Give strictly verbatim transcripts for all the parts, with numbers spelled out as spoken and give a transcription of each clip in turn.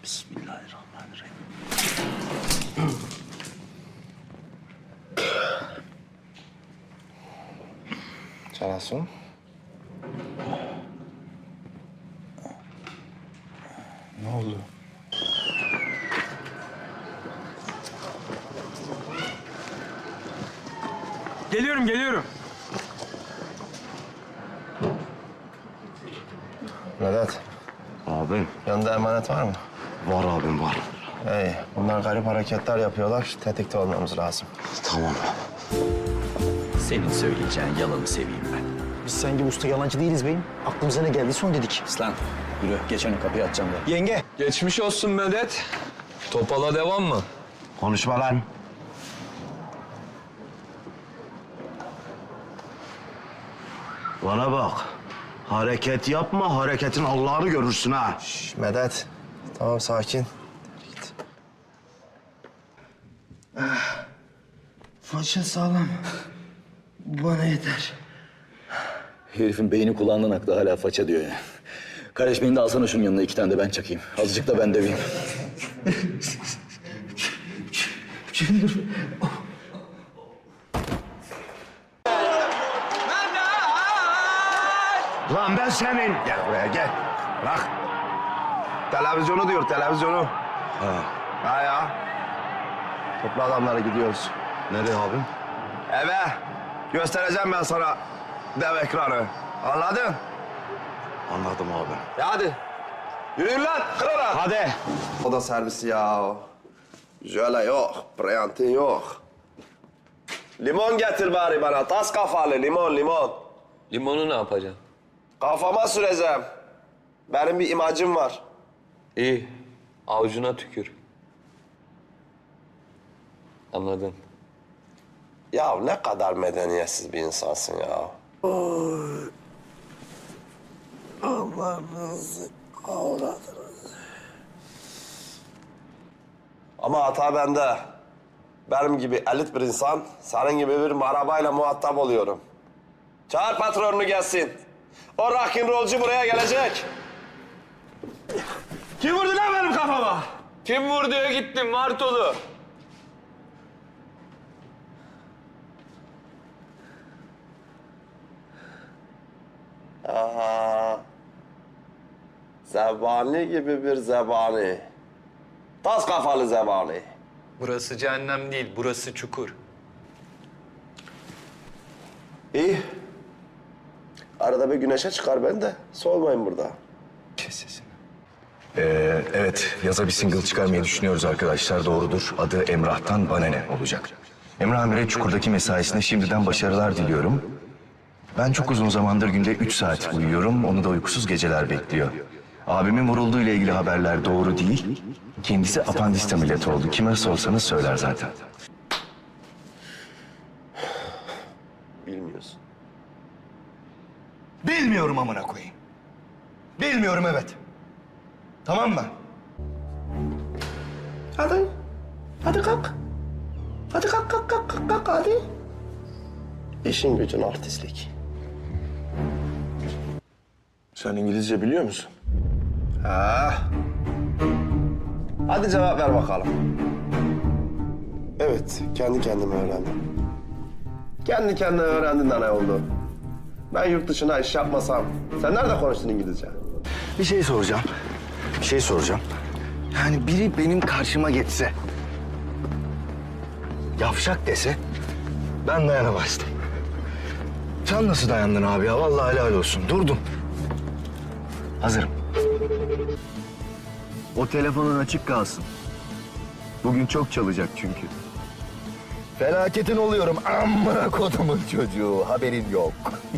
Bismillahirrahmanirrahim. Cansu. Ne oldu? Geliyorum, geliyorum. Vedat, Abim. yanında emanet var mı? Var abim var. İyi, bunlar garip hareketler yapıyorlar. Tetikte olmamız lazım. Tamam. Senin söyleyeceğin yalanı seveyim ben. Biz sen gibi usta yalancı değiliz beyim. Aklımıza ne geldiyse onu dedik. Aslan yürü geç önü kapıyı açacağım ben. Yenge. Geçmiş olsun Medet. Topala devam mı? Konuşma lan. Bana bak. Hareket yapma, hareketin Allah'ını görürsün ha. Şş, Medet, tamam sakin. Git. Faça sağlam. Bana yeter. Herifin beyni kulağından aktı hala faça diyor ya. Kardeş beni de alsana şunun yanına iki tane de ben çakayım. Azıcık da ben döveyim. Lan ben senin. Gel buraya gel. Bırak. Televizyonu diyor, televizyonu. Ha. Ha ya. Topla adamları gidiyoruz. Nereye abim? Eve. Göstereceğim ben sana dev ekranı. Anladın? Anladım abi. Ya hadi. Yürüyün lan, kırara. Hadi. O da servisi ya. Jöle yok, Briantin yok. Limon getir bari bana, tas kafalı limon, limon. Limonu ne yapacaksın? Kafama süreceğim. Benim bir imajım var. İyi. Avucuna tükür. Anladın. Ya ne kadar medeniyetsiz bir insansın ya. Allah'ınızı avradınız. Ama hata bende. Benim gibi elit bir insan, senin gibi bir marabayla muhatap oluyorum. Çağır patronunu gelsin. O rock'n'rollcu buraya gelecek. Kim vurdu lan benim kafama? Kim vurduya gittim Martolu? Aha. Zebani gibi bir zebani. Tas kafalı zebani. Burası cehennem değil, burası çukur. İyi. Arada bir güneşe çıkar ben de. Soğumayın burada. Kes sesini. Ee, evet, yaza bir single çıkarmayı düşünüyoruz arkadaşlar. Doğrudur. Adı Emrah'tan Bana Ne olacak. Emrah Amir'e Çukur'daki mesaisine şimdiden başarılar diliyorum. Ben çok uzun zamandır günde üç saat uyuyorum. Onu da uykusuz geceler bekliyor. Abimin vurulduğu ile ilgili haberler doğru değil. Kendisi apandist ameliyatı oldu. Kime sorsanız söyler zaten. Bilmiyorsun. Bilmiyorum amına koyayım. Bilmiyorum evet. Tamam mı? Hadi. Hadi kalk. Hadi kalk kalk kalk kalk, kalk hadi. İşin gücün artistlik. Sen İngilizce biliyor musun? Ha. Hadi cevap ver bakalım. Evet, kendi kendime öğrendim. Kendi kendine öğrendin de ne oldu? Ben yurt dışına iş yapmasam, sen nerede konuştun İngilizce? Bir şey soracağım. Bir şey soracağım. Yani biri benim karşıma geçse... ...yavşak dese... ...ben dayanamazdım. Sen nasıl dayandın abi ya? Vallahi helal olsun. Durdun. Hazırım. O telefonun açık kalsın. Bugün çok çalacak çünkü. Felaketin oluyorum. Amına kodumun çocuğu. Haberin yok.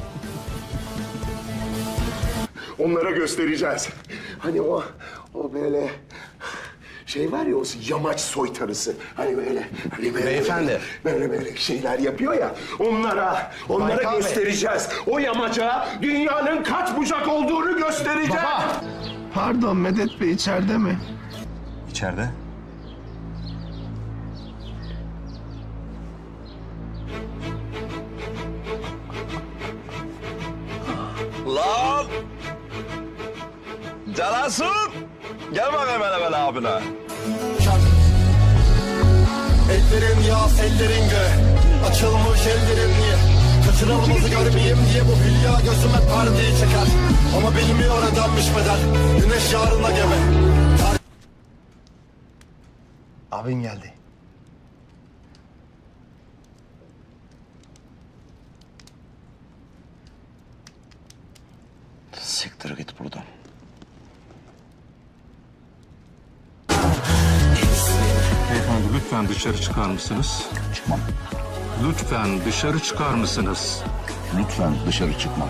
Onlara göstereceğiz. Hani o, o böyle şey var ya, o yamaç soytarısı. Hani böyle, hani böyle, Beyefendi. Böyle böyle şeyler yapıyor ya. Onlara, onlara Baykal Bey. göstereceğiz. O yamaca dünyanın kaç bucak olduğunu göstereceğiz. Baba. Pardon, Medet Bey içeride mi? İçeride. Lan! Celasun. Gel bakayım hele böyle abine. Ellerin yaz, ellerin gö. Açılmış ellerin niye? Kaçırılmazı görmeyeyim diye bu hülya gözüme perdeyi çeker. Ama bilmiyor ödenmiş bedel. Güneş yarına gebe. Abin geldi. Siktir git buradan. Beyefendi lütfen dışarı çıkar mısınız? Çıkmam. Lütfen dışarı çıkar mısınız? Lütfen dışarı çıkma.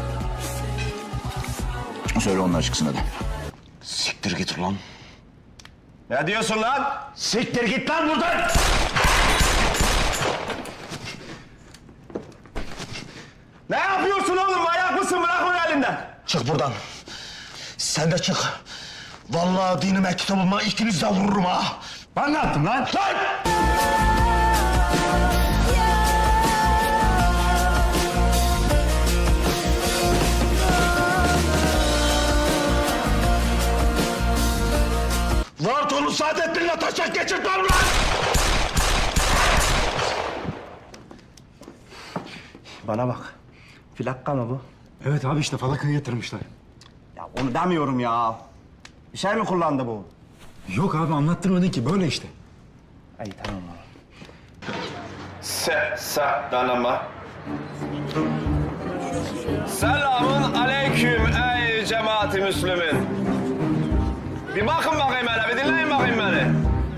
Söyle onlar çıksın hadi. Siktir git ulan. Ne diyorsun lan? Siktir git lan buradan! Ne yapıyorsun oğlum? Manyak mısın? Bırak onu elinden. Çık buradan. Sen de çık. Vallahi dinime kitabıma ikiniz de vururum ha. Ben ne yaptım lan? Lan! Vartolu Saadettin'le taşak geçirtmem lan! Bana bak. Plakka mı bu? Evet abi işte falakaya yatırmışlar. Ya onu demiyorum ya. Bir şey mi kullandı bu? Yok abi anlattırmadın ki böyle işte. İyi tamam abi. Se, se, danama. Selamun aleyküm ey cemaati Müslümin. Bir bakın bakayım hele, bir dinleyin bakayım beni.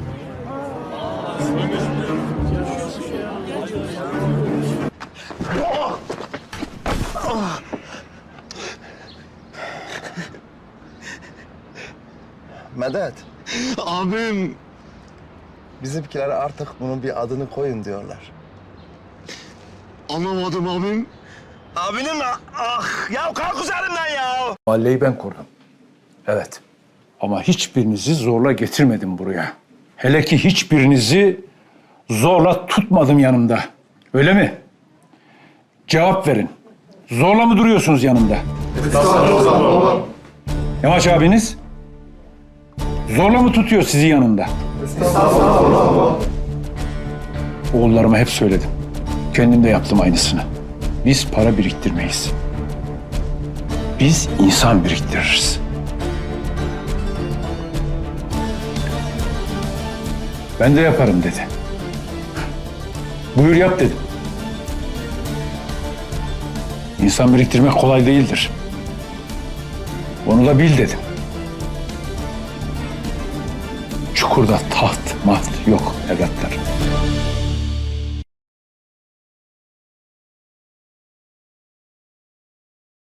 Medet. Abim. Bizimkiler artık bunun bir adını koyun diyorlar. Anlamadım abim. Abinin mi? Ah, ya kalk üzerinden ya. Mahalleyi ben kurdum. Evet. Ama hiçbirinizi zorla getirmedim buraya. Hele ki hiçbirinizi zorla tutmadım yanımda. Öyle mi? Cevap verin. Zorla mı duruyorsunuz yanımda? Estağfurullah. Yamaç abiniz? Zorla mı tutuyor sizi yanında? Estağfurullah. Oğullarıma hep söyledim. Kendim de yaptım aynısını. Biz para biriktirmeyiz. Biz insan biriktiririz. Ben de yaparım dedi. Buyur yap dedim. İnsan biriktirmek kolay değildir. Onu da bil dedim. Çukurda taht, maht yok evlatlar.